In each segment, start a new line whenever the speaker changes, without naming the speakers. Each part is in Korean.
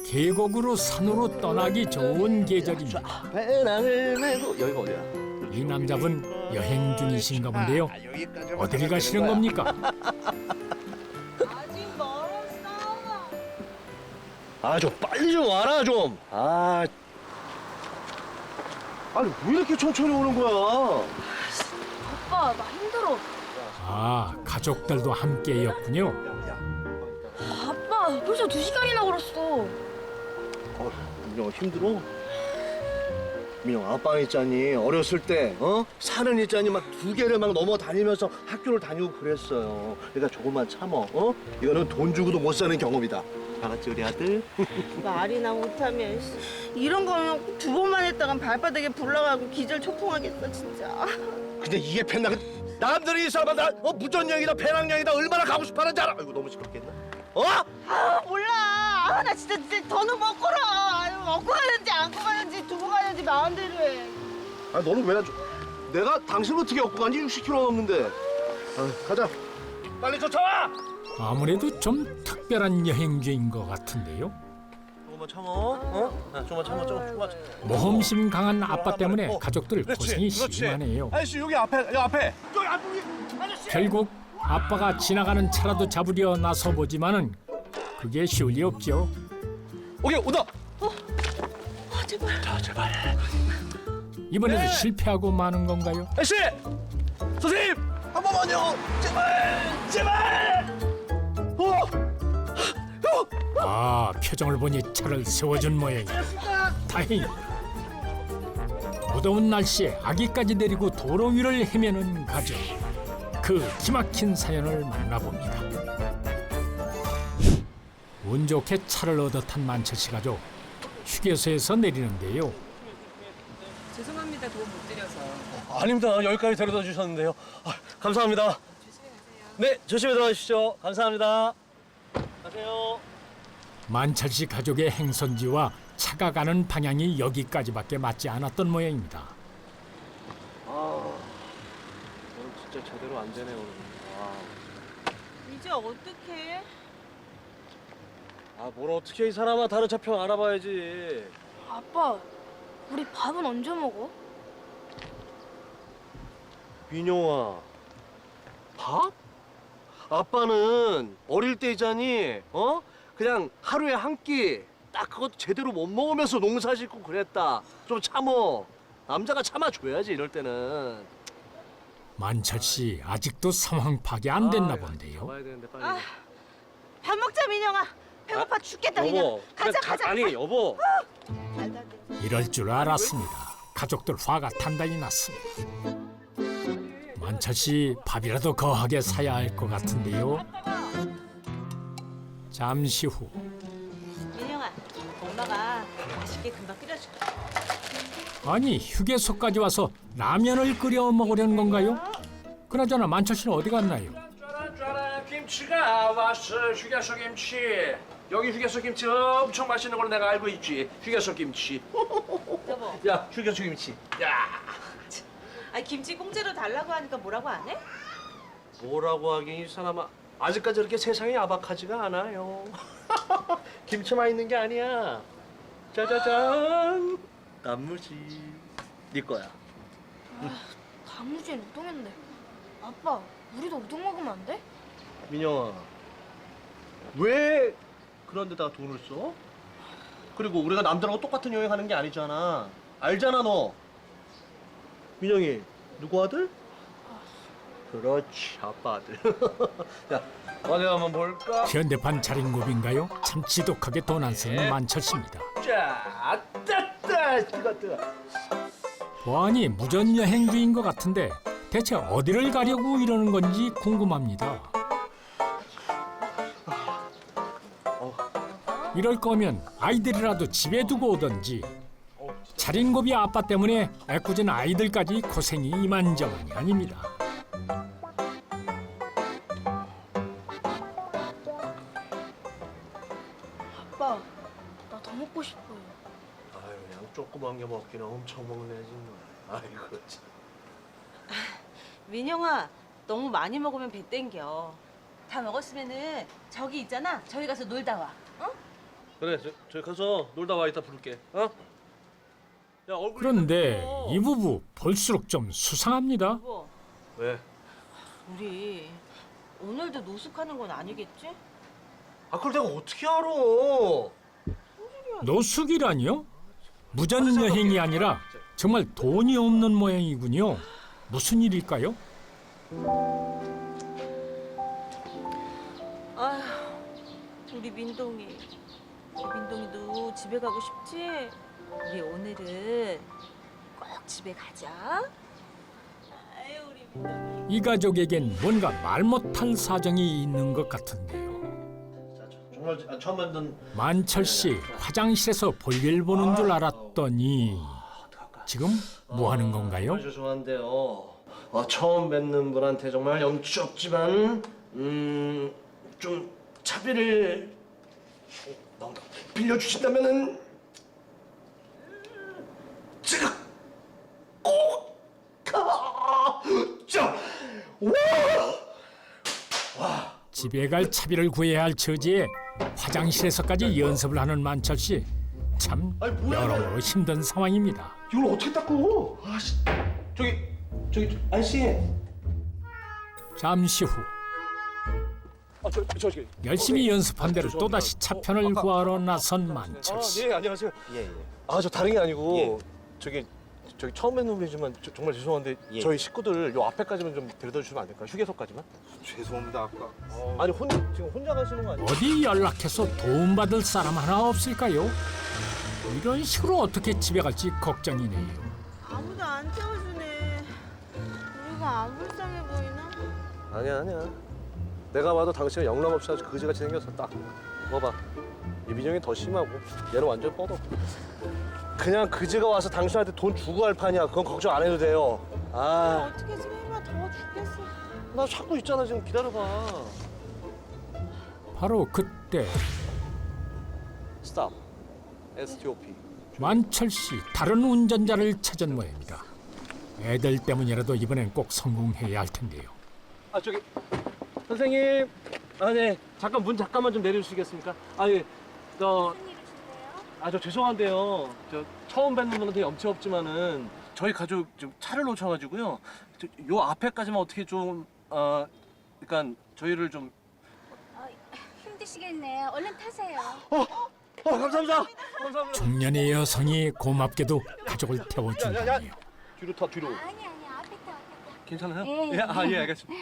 계곡으로 산으로 떠나기 좋은 계절입니다.
배낭을 메고 여기가 어디야?
이 남자분 여행 중이신가 본데요. 어딜 가시는 겁니까?
아직 멀었어.
아, 좀 빨리 좀 와라 좀. 아니 왜 이렇게 천천히 오는 거야?
아빠, 나 힘들어.
아, 가족들도 함께였군요.
아빠, 벌써 2시간이나 걸었어.
민영아 힘들어? 민영 아빠 있잖니 어렸을 때 산은 있잖니 막 2개를 막 넘어 다니면서 학교를 다니고 그랬어요. 그러니까 조금만 참어. 이거는 돈 주고도 못 사는 경험이다. 알았지 우리 아들?
말이나 못하면 이런 거면 2번만 했다간 발바닥에 불나가고 기절 초풍하겠어 진짜.
근데 이게 펜나 남들이 이 사람마다 무전여행이다 배낭여행이다 얼마나 가고 싶어하는지 알아? 아이고 너무 시끄럽겠나?
몰라. 나 진짜 더는 못 걸어. 먹고 가는지 안 가는지 두고 가는지 마음대로 해.
아 너는 왜 내가 당신을 어떻게 업고 간지 60km 넘는데. 가자. 빨리 쫓아와.
아무래도 좀 특별한 여행주인 것 같은데요.
조금만 참어. 조금만 참어. 조금만.
모험심 강한 아빠 때문에 가족들 고생이 심하네요.
아저씨 여기 앞에 여기 앞에. 여기 아저씨.
결국 아빠가 지나가는 차라도 잡으려 나서 보지만은 그게 쉬울 리 없죠.
오케이 온다.
제발.
자 제발.
이번에도
네.
실패하고 마는 건가요?
아저씨. 선생님 한 번만요. 제발.
아, 표정을 보니 차를 세워준 모양이야. 다행이다. 무더운 날씨에 아기까지 데리고 도로 위를 헤매는 가족. 그 기막힌 사연을 만나봅니다. 운 좋게 차를 얻어 탄 만철 씨 가족. 휴게소에서 내리는데요.
죄송합니다. 도움 못 드려서.
아닙니다. 여기까지 데려다 주셨는데요. 감사합니다. 네, 조심히 들어가십시오. 감사합니다. 가세요.
만철 씨 가족의 행선지와 차가 가는 방향이 여기까지밖에 맞지 않았던 모양입니다.
오늘 진짜 제대로 안 되네 오늘.
이제 어떡해?
뭘 어떻게 이 사람아 다른 차평 알아봐야지.
아빠, 우리 밥은 언제 먹어?
민영아, 밥? 아빠는 어릴 때 있잖니, 그냥 하루에 한 끼, 딱 그것도 제대로 못 먹으면서 농사 짓고 그랬다. 좀 참어. 남자가 참아줘야지 이럴 때는.
만철 씨 아직도 상황 파악이 안 됐나 본데요.
잡아야 되는데 빨리.
밥 먹자 민영아. 배고파 죽겠다 그냥.
여보,
가자
그래,
가자.
아니 여보.
말도 안 돼.
이럴 줄 알았습니다. 가족들 화가 단단히 났습니다. 만철 씨 밥이라도 거하게 사야 할 것 같은데요. 잠시 후
민영아, 엄마가 맛있게 금방 끓여줄게.
아니 휴게소까지 와서 라면을 끓여 먹으려는 건가요? 그나저나 만철 씨는 어디 갔나요?
짜란 김치가 왔어. 휴게소 김치. 여기 휴게소 김치 엄청 맛있는 걸 내가 알고 있지. 휴게소 김치.
여보,
야 휴게소 김치. 야.
아니 김치 공짜로 달라고 하니까 뭐라고 안 해?
뭐라고 하긴 이 사람아. 아직까지 이렇게 세상이 야박하지가 않아요. 김치만 있는 게 아니야. 짜자잔. 단무지. 네 거야.
단무지엔 우동인데. 아빠, 우리도 우동 먹으면 안 돼?
민영아, 왜 그런 데다가 돈을 써? 그리고 우리가 남들하고 똑같은 여행하는 게 아니잖아. 알잖아 너. 민영이 누구 아들? 그렇지, 아빠 아들. 야, 어디 한번 볼까?
현대판 자린고비인가요? 참 지독하게 돈 안 쓰는 만철 씨입니다.
자, 따따.
뜨거.
보아니 무전여행주인 것 같은데 대체 어디를 가려고 이러는 건지 궁금합니다. 이럴 거면 아이들이라도 집에 두고 오던지. 자린고비 아빠 때문에 애꿎은 아이들까지 고생이 이만저만이 아닙니다.
아빠, 나 더 먹고 싶어요.
아유, 양 조그만 게 먹기는 엄청 먹네 정말. 아이고 참.
민영아, 너무 많이 먹으면 배 땡겨. 다 먹었으면은 저기 있잖아. 저기 가서 놀다 와. 어?
그래, 저기 가서 놀다 와. 이따 부를게. 어? 야, 얼굴.
그런데 이 부부 볼수록 좀 수상합니다.
여보,
왜?
우리 오늘도 노숙하는 건 아니겠지?
아, 그걸 내가 어떻게 알아?
노숙이라니요? 무전 여행이 아니라 정말 돈이 없는 모양이군요. 무슨 일일까요?
아휴, 우리 민동이. 우리 민동이도 집에 가고 싶지? 우리 오늘은 꼭 집에 가자. 아유, 우리 민동이.
이 가족에겐 뭔가 말 못할 사정이 있는 것 같은데요.
정말 처음 만든.
만철 씨 화장실에서 볼일 보는 줄 알았더니 지금 뭐 하는 건가요?
정말 죄송한데요. 처음 뵙는 분한테 정말 염치 없지만 좀 차비를 빌려주신다면은 제가 꼭
집에 갈 차비를 구해야 할 처지에 화장실에서까지 연습을 하는 만철 씨. 참
아니, 뭐야,
여러모로 힘든 상황입니다.
이걸 어떻게 닦고? 아씨, 저기 아저씨.
잠시 후
저기.
열심히 연습한 대로 또다시 차편을 구하러 나선 만철 씨.
예, 안녕하세요. 예. 저 다른 게 아니고 저기 처음 뵙는 분이지만 정말 죄송한데 저희 식구들 요 앞에까지만 좀 데려다 주시면 안 될까요? 휴게소까지만?
죄송합니다 아까.
아니 지금 혼자 가시는 거 아니에요?
어디 연락해서 도움받을 사람 하나 없을까요? 이런 식으로 어떻게 집에 갈지 걱정이네요.
아무도 안 태워주네. 우리가 안 불쌍해 보이나?
아니야. 내가 봐도 당신은 영락없이 아주 그지같이 생겼어. 딱 봐봐. 이민영이 더 심하고 얘는 완전 뻗어. 그냥 그지가 와서 당신한테 돈 주고 할 판이야. 그건 걱정 안 해도 돼요.
어떻게 좀 해봐. 더워 죽겠어.
나 찾고 있잖아. 지금 기다려봐.
바로 그때
스탑. STOP.
만철 씨 다른 운전자를 찾은 모양입니다. 애들 때문이라도 이번엔 꼭 성공해야 할 텐데요.
저기 선생님. 네. 잠깐 문 잠깐만 좀 내려주시겠습니까? 예. 저 죄송한데요. 저 처음 뵙는 분한테 염치 없지만은 저희 가족 좀 차를 놓쳐가지고요. 요 앞에까지만 어떻게 좀 그러니까 저희를 좀.
힘드시겠네요. 얼른 타세요.
감사합니다.
중년의 여성이 고맙게도 가족을 태워준다네요.
뒤로 타 뒤로.
아니 앞에 타.
괜찮아요?
예.
예, 알겠습니다.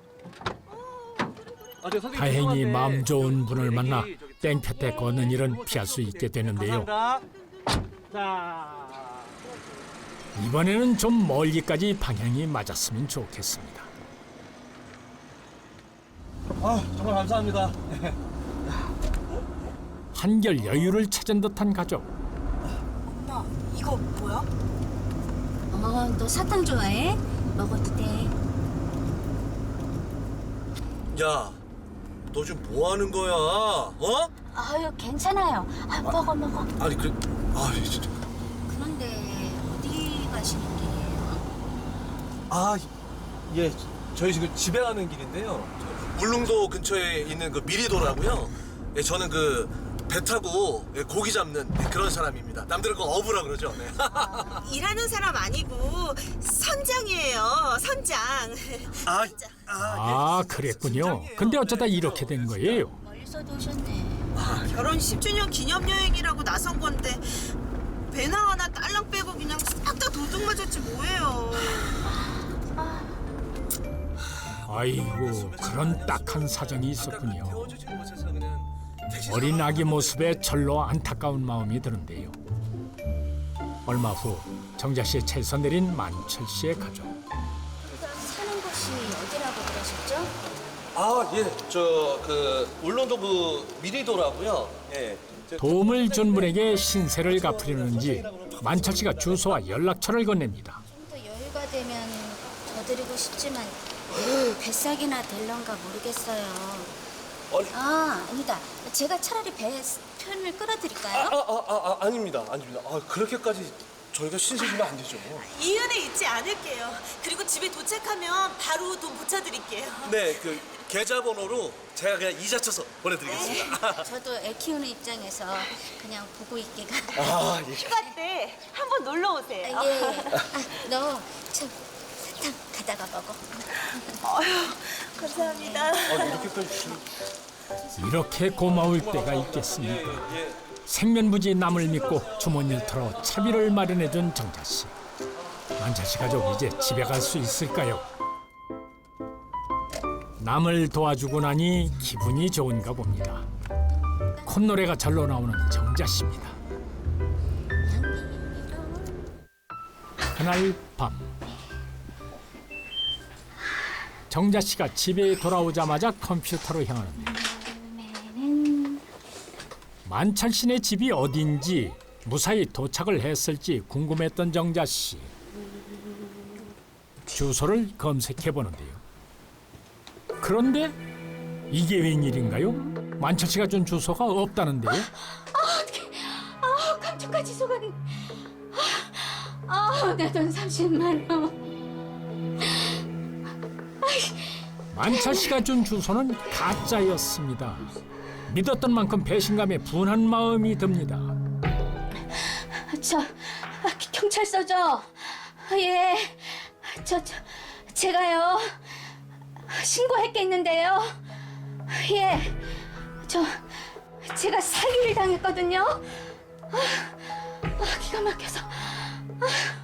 선생님,
다행히
죄송한데
마음 좋은 분을 만나
저기
땡볕에 걷는 일은 피할 수 있게 되는데요.
감사합니다. 자.
이번에는 좀 멀리까지 방향이 맞았으면 좋겠습니다.
정말 감사합니다.
한결 여유를 찾은 듯한 가족.
엄마, 이거 뭐야?
너 사탕 좋아해? 먹어도 돼.
야, 너 지금 뭐 하는 거야?
아유 괜찮아요. 먹어.
아니 진짜.
그런데 어디 가시는 길이에요?
예, 저희 지금 집에 가는 길인데요. 울릉도 근처에 있는 그 미리도라고요. 예, 저는 그 배 타고 고기 잡는 그런 사람입니다. 남들은 그 어부라 그러죠. 네.
일하는 사람 아니고 선장이에요. 선장.
그랬군요. 근데 어쩌다 이렇게 된 거예요?
멀리서도 오셨네.
결혼 10주년 기념 여행이라고 나선 건데 배나 하나 딸랑 빼고 그냥 싹 다 도둑 맞았지 뭐예요.
아이고, 그런 딱한 사정이 있었군요. 어린 아기 모습에 절로 안타까운 마음이 드는데요. 얼마 후 정자 씨의 차에서 내린 만철 씨의 가족.
사는 곳이 어디라고 그러셨죠?
그 울릉도 그 미리도라고요. 예.
도움을 준 분에게 신세를 갚으려는지 만철 씨가 주소와 연락처를 건넵니다.
좀 더 여유가 되면 더 드리고 싶지만 뱃삭이나 될런가 모르겠어요. 아니다. 제가 차라리 배 편을 끌어드릴까요?
아닙니다. 그렇게까지 저희가 신세 주면 안 되죠.
이 은혜 잊지 않을게요. 그리고 집에 도착하면 바로 돈 붙여드릴게요.
네, 그 계좌번호로 제가 그냥 이자 쳐서 보내드리겠습니다.
저도 애 키우는 입장에서 그냥 보고 있기가.
아, 예.
휴가 때 한번 놀러 오세요.
예. 너 참 사탕 가다가 먹어.
어휴, 감사합니다.
이렇게까지 주시면.
이렇게 고마울 때가 있겠습니까? 생면부지 남을 믿고 주머니를 털어 차비를 마련해준 정자 씨. 만철 씨 가족 이제 집에 갈 수 있을까요? 남을 도와주고 나니 기분이 좋은가 봅니다. 콧노래가 절로 나오는 정자 씨입니다. 그날 밤 정자 씨가 집에 돌아오자마자 컴퓨터로 향하는데 만철 씨네 집이 어딘지 무사히 도착을 했을지 궁금했던 정자 씨. 주소를 검색해 보는데요. 그런데 이게 웬일인가요? 만철 씨가 준 주소가 없다는데요.
감쪽같이 속았네. 내 돈 30만 원.
만철 씨가 준 주소는 가짜였습니다. 믿었던 만큼 배신감에 분한 마음이 듭니다.
경찰서죠? 예. 제가요. 신고했겠는데요. 예. 제가 사기를 당했거든요. 기가 막혀서.